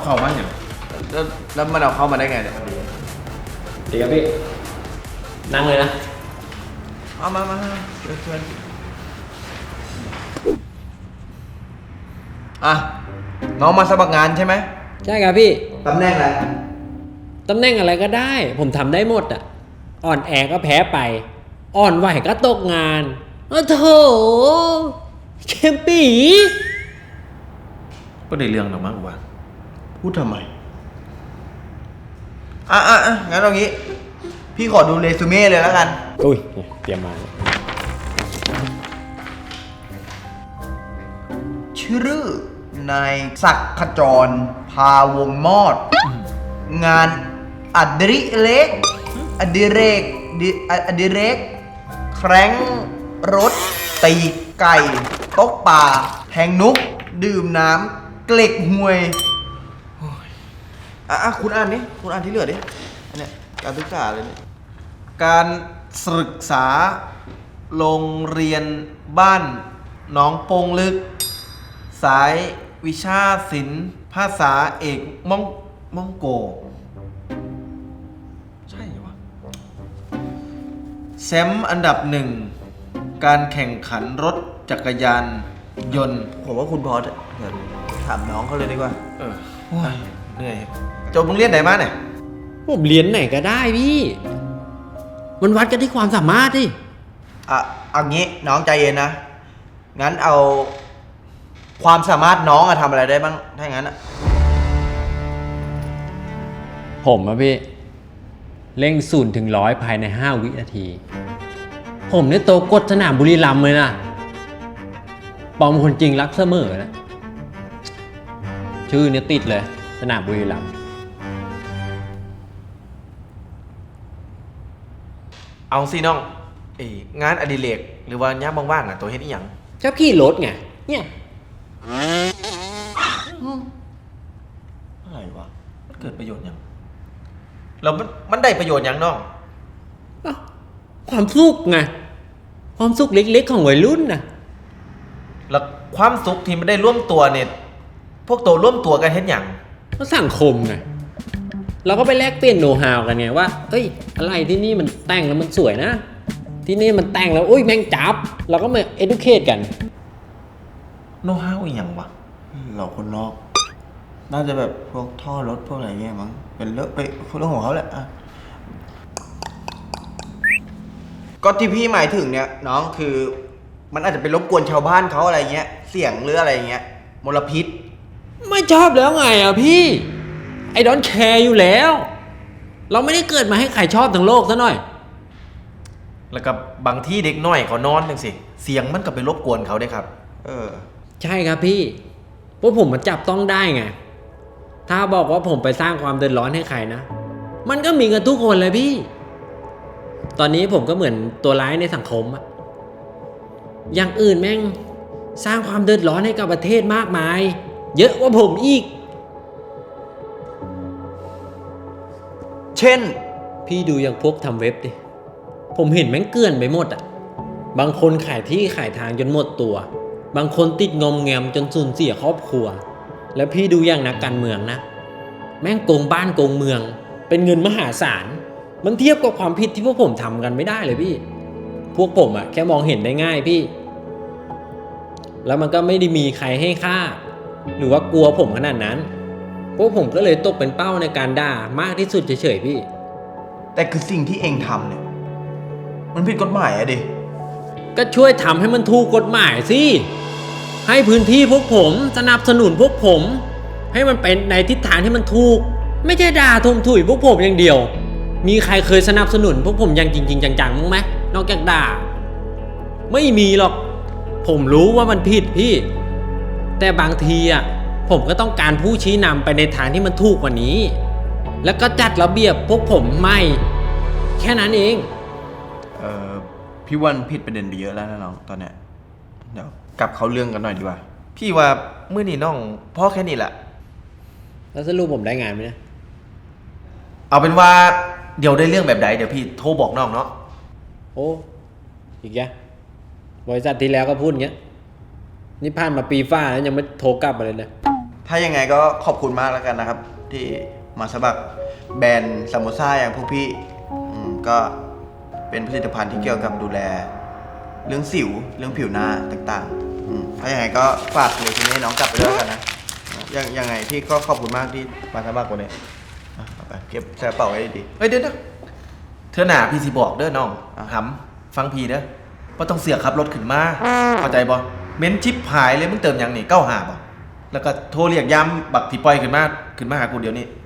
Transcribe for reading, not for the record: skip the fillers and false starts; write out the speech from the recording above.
เข้ามาอย่างแล้วมันเอาเข้ามาได้ไงเนี่ยดีครับพี่นั่งเลยนะเอามาเชิญอ่ะน้องมาสมัครงานใช่ไหมใช่ครับพี่ตำแหน่งอะไรตำแหน่งอะไรก็ได้ ผมทำได้หมดอ่ะอ่อนแอก็แพ้ไป อ่อนไหวก็ตกงานโอ้โถเชมปีก็ได้เรื่องหรอกมั้งวะพูดทำไมงั้นเอางี้ พี่ขอดูเรซูเม่เลยแล้วกันอุ้ยเตรียมมาชื่อนายศักดิ์ขจร พาวงมอด งานอดิเรกแคร้งรถ ตีไก่ตกป่าแทงนุก ดื่มน้ำเกล็กหวยคุณอ่านนี่คุณอ่านที่เหลือดิอันเนี้ยการศึกษาเลยเนี่ยการศึกษาโรงเรียนบ้านหนองโปงลึก สายวิชาศิลป์ภาษาเอกมองโกใช่เหรอวะแชมป์อันดับหนึ่งการแข่งขันรถจักรยานยนต์ผมว่าคุณพอเดี๋ยวถามน้องเขาเลยดีกว่าเหนื่อยจบโรงเรียนไหนมาเนี่ยผมเรียนไหนก็ได้พี่มันวัดกันที่ความสามารถดิเอางี้น้องใจเย็นนะงั้นเอาความสามารถน้องทำอะไรได้บ้างถ้าอย่างนั้นผมอะพี่เร่ง0-100ภายใน5 วินาที ผมเนี่ยโตกดสนามบุรีรัมย์เลยนะปอมคนจริงรักเสมอนะชื่อเนี่ยติดเลยสนามบุรีรัมย์เอาสิน้องงานอดิเรกหรือว่าย่ามว่างๆตัวเฮ็ดอีหยังชอบขี่รถไงเนี่ยอะไรวะมันเกิดประโยชน์หยังแล้วมันได้ประโยชน์หยังน้องความสุขไงความสุขเล็กๆของวัยรุ่นนะแล้วความสุขที่มันได้ร่วมตัวเนี่ยพวกตัวร่วมตัวกันเฮ็ดหยังก็สังคมไงเราก็ไปแลกเปลี่ยนโน้ตฮาวกันไงว่าเอ้ยอะไรที่นี่มันแต่งแล้วมันสวยนะที่นี่มันแต่งแล้วอุ้ยแม่งจับเราก็มา educate กันโนฮาวอีหยังวะเราคนนอก น่าจะแบบพวกท่อรถพวกอะไรเงี้ยมั้งเป็นเรื่องของเขาแหละก็ที่พี่หมายถึงเนี่ยน้องคือมันอาจจะไปรบกวนชาวบ้านเขาอะไรเงี้ยเสียงหรืออะไรเงี้ยมลพิษไม่ชอบแล้วไงอ่ะพี่ไอ้ดอนแคร์อยู่แล้ว เราไม่ได้เกิดมาให้ใครชอบทั้งโลกซะหน่อยแล้วก็บางที่เด็กน้อยเขานอนจังสิเสียงมันก็ไปรบกวนเขาได้ครับใช่ครับพี่เพราะผมมันจับต้องได้ไงถ้าบอกว่าผมไปสร้างความเดือดร้อนให้ใครนะมันก็มีกันทุกคนเลยพี่ตอนนี้ผมก็เหมือนตัวร้ายในสังคมอะอย่างอื่นแม่งสร้างความเดือดร้อนให้กับประเทศมากมายเยอะกว่าผมอีกเช่นพี่ดูอย่างพวกทำเว็บดิผมเห็นแม่งเกลื่อนไปหมดอ่ะบางคนขายที่ขายทางจนหมดตัวบางคนติดงอมแงมจนสูญเสียครอบครัวแล้วพี่ดูอย่างนักการเมืองนะแม่งโกงบ้านโกงเมืองเป็นเงินมหาศาลมันเทียบกับความผิดที่พวกผมทำกันไม่ได้เลยพี่พวกผมอ่ะแค่มองเห็นได้ง่ายพี่แล้วมันก็ไม่ได้มีใครให้ค่าหรือว่ากลัวผมขนาดนั้นพวกผมก็เลยตกเป็นเป้าในการด่ามากที่สุดเฉยๆพี่แต่คือสิ่งที่เองทำเนี่ยมันผิดกฎหมายอะดิก็ช่วยทำให้มันถูกกฎหมายสิให้พื้นที่พวกผมสนับสนุนพวกผมให้มันเป็นในทิศทางที่มันถูกไม่ใช่ด่าทุ่มถุยพวกผมอย่างเดียวมีใครเคยสนับสนุนพวกผมอย่างจริงๆจังๆมั้งไหมนอกจากด่าไม่มีหรอกผมรู้ว่ามันผิดพี่แต่บางทีอ่ะผมก็ต้องการผู้ชี้นำไปในทางที่มันถูกกว่านี้แล้วก็จัดระเบียบพวกผมไม่แค่นั้นเองพี่วันผิดประเด็นไปเยอะแล้วนะน้องตอนเนี้ยเดี๋ยวกลับเขาเรื่องกันหน่อยดีกว่าพี่ว่ามื้อนี้น้องพ่อแค่นี้แหละแล้วสรุปผมได้งานไหมเนี่ยเอาเป็นว่าเดี๋ยวได้เรื่องแบบใดเดี๋ยวพี่โทรบอกน้องเนาะโอ้อีกแกบริษัทที่แล้วก็พูดอย่างเงี้ยนี่ผ่านมาปีฟ้าแล้วยังไม่โทรกลับมาเลยนะถ้ายังไงก็ขอบคุณมากแล้วกันนะครับ ที่มาสมัครแบรนด์ซาโมซ่าอย่างพวกพี่ก็เป็นผลิตภัณฑ์ที่เกี่ยวกับดูแล เรื่องสิวเรื่องผิวหน้าต่างๆถ้าอย่างไรก็ฝากเลยทีนี้น้องกลับไปด้วยกันนะยังไงพี่ก็ขอบคุณมากที่มาสมัครวันนี้เอาไปเก็บใส่กระเป๋าไว้ดีเอ้ยเดี๋ยวเธอหนาพี่สิบอกเด้อน้องอ่ะหำฟังพี่เด้อว่าต้องเสียขับรถขึ้นมาเข้าใจบ่เม้นชิปหายเลยมึงเติมหยังนี่95บ่แล้วก็โทรเรียกย้ำบักที่ปล่อยขึ้นมาหากูเดี๋ยวนี้